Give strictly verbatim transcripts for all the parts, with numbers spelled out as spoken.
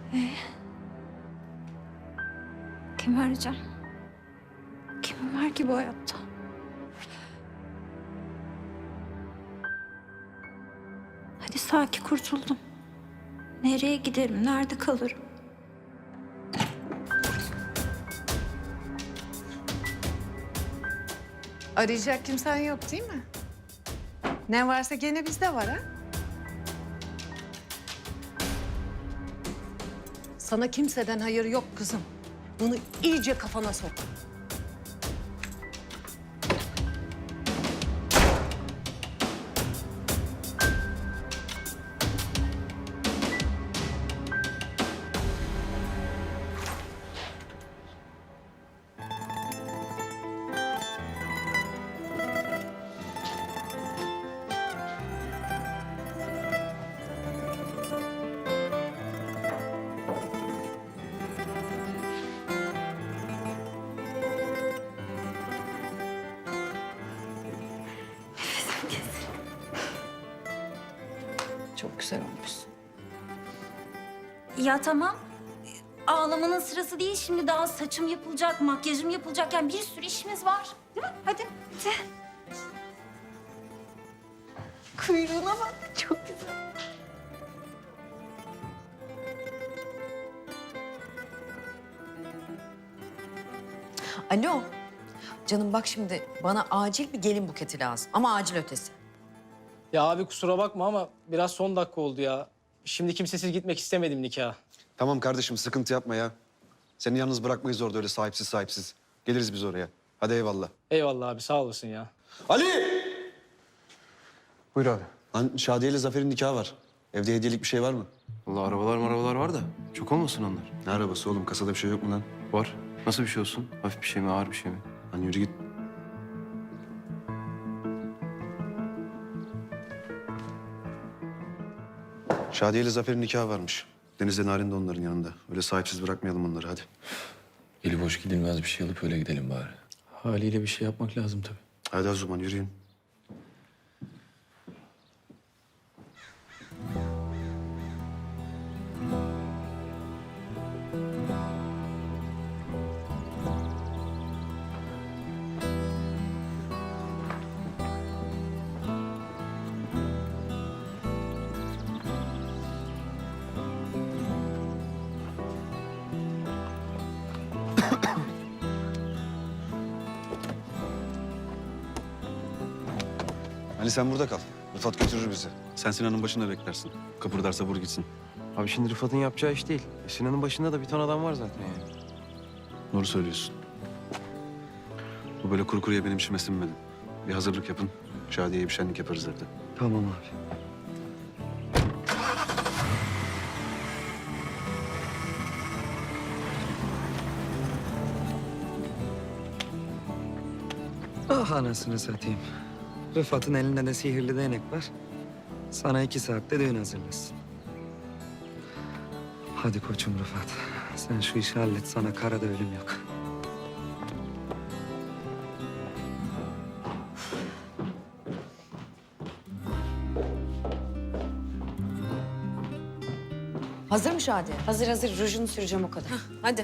Ee, kimi arayacağım? Kim var ki bu hayatta? Hadi sakin kurtuldum. Nereye giderim? Nerede kalırım? Arayacak kimsen yok değil mi? Ne varsa gene bizde var ha? Sana kimseden hayır yok kızım. Bunu iyice kafana sok. Çok güzel olmuşsun. Ya tamam. Ağlamanın sırası değil. Şimdi daha saçım yapılacak, makyajım yapılacak. Yani bir sürü işimiz var. Değil mi? Hadi. Hadi. Kuyruğuna bak. Çok güzel. Alo. Canım bak şimdi bana acil bir gelin buketi lazım ama acil ötesi. Ya abi kusura bakma ama biraz son dakika oldu ya. Şimdi kimsesiz gitmek istemedim nikaha. Tamam kardeşim sıkıntı yapma ya. Seni yalnız bırakmayız orada öyle sahipsiz sahipsiz. Geliriz biz oraya. Hadi eyvallah. Eyvallah abi sağ olasın ya. Ali! Buyur abi. Lan Şadiye ile Zafer'in nikahı var. Evde hediyelik bir şey var mı? Vallahi arabalar arabalar var da çok olmasın onlar. Ne arabası oğlum? Kasada bir şey yok mu lan? Var. Nasıl bir şey olsun? Hafif bir şey mi, ağır bir şey mi? Lan yürü git. Şadiye ile Zafer'in nikahı varmış. Deniz'le Narin de onların yanında. Öyle sahipsiz bırakmayalım onları hadi. Eli boş gidilmez, bir şey alıp öyle gidelim bari. Haliyle bir şey yapmak lazım tabii. Hadi o zaman yürüyün. Ali sen burada kal. Rıfat götürür bizi. Sen Sinan'ın başında beklersin. Kıpırdarsa vur gitsin. Abi şimdi Rıfat'ın yapacağı iş değil. E, Sinan'ın başında da bir ton adam var zaten yani. Doğru söylüyorsun. Bu böyle kuru kuruya benim işime sinmedi. Bir hazırlık yapın. Şadiye'ye bir şenlik yaparız evde. Tamam abi. Ah anasını satayım. Rıfat'ın elinde de sihirli değnek var. Sana iki saatte düğün hazırlasın. Hadi koçum Rıfat. Sen şu işi hallet, sana karada ölüm yok. Hazır mı Şadiye? Hazır hazır. Rujunu süreceğim o kadar. Hadi.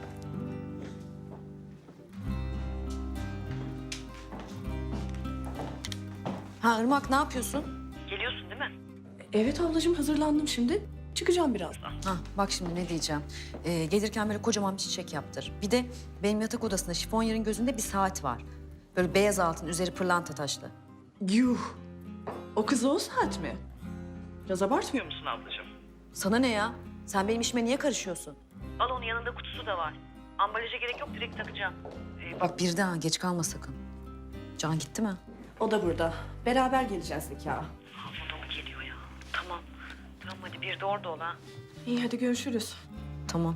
Ha Irmak ne yapıyorsun? Evet ablacığım hazırlandım şimdi. Çıkacağım birazdan. Ha bak şimdi ne diyeceğim. Ee, gelirken böyle kocaman bir çiçek yaptır. Bir de benim yatak odasında şifonyer'in gözünde bir saat var. Böyle beyaz altın, üzeri pırlanta taşlı. Yuh. O kız o saat mi? Biraz abartmıyor musun ablacığım? Sana ne ya? Sen benim işime niye karışıyorsun? Al onun yanında kutusu da var. Ambalaja gerek yok, direkt takacağım. Bak bir daha geç kalma sakın. Can gitti mi? O da burada. Beraber geleceğiz nikaha. Ha, o da mı geliyor ya? Tamam. Tamam hadi bir de orada ol ha. İyi hadi görüşürüz. Tamam.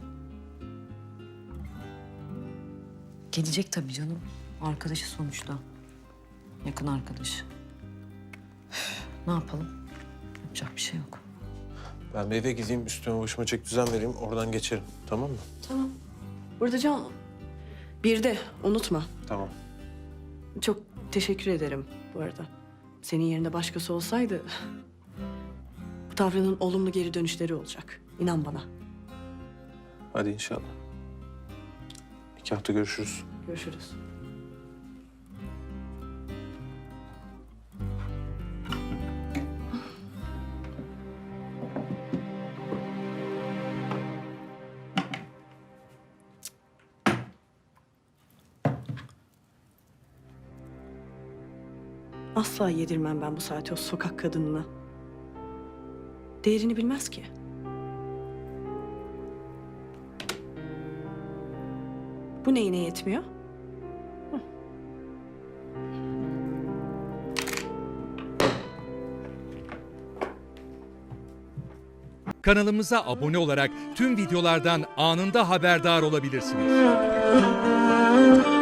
Gelecek tabii canım. Arkadaşı sonuçta. Yakın arkadaş. Üf, ne yapalım? Yapacak bir şey yok. Ben bir eve gideyim, üstüme başıma çek düzen vereyim. Oradan geçerim. Tamam mı? Tamam. Burada Can. Bir de unutma. Tamam. Çok teşekkür ederim bu arada. Senin yerinde başkası olsaydı... bu tavrının olumlu geri dönüşleri olacak. İnan bana. Hadi inşallah. Nikahta görüşürüz. Görüşürüz. Asla yedirmem ben bu saate o sokak kadınına. Değerini bilmez ki. Bu neyine yetmiyor? Kanalımıza abone olarak tüm videolardan anında haberdar olabilirsiniz.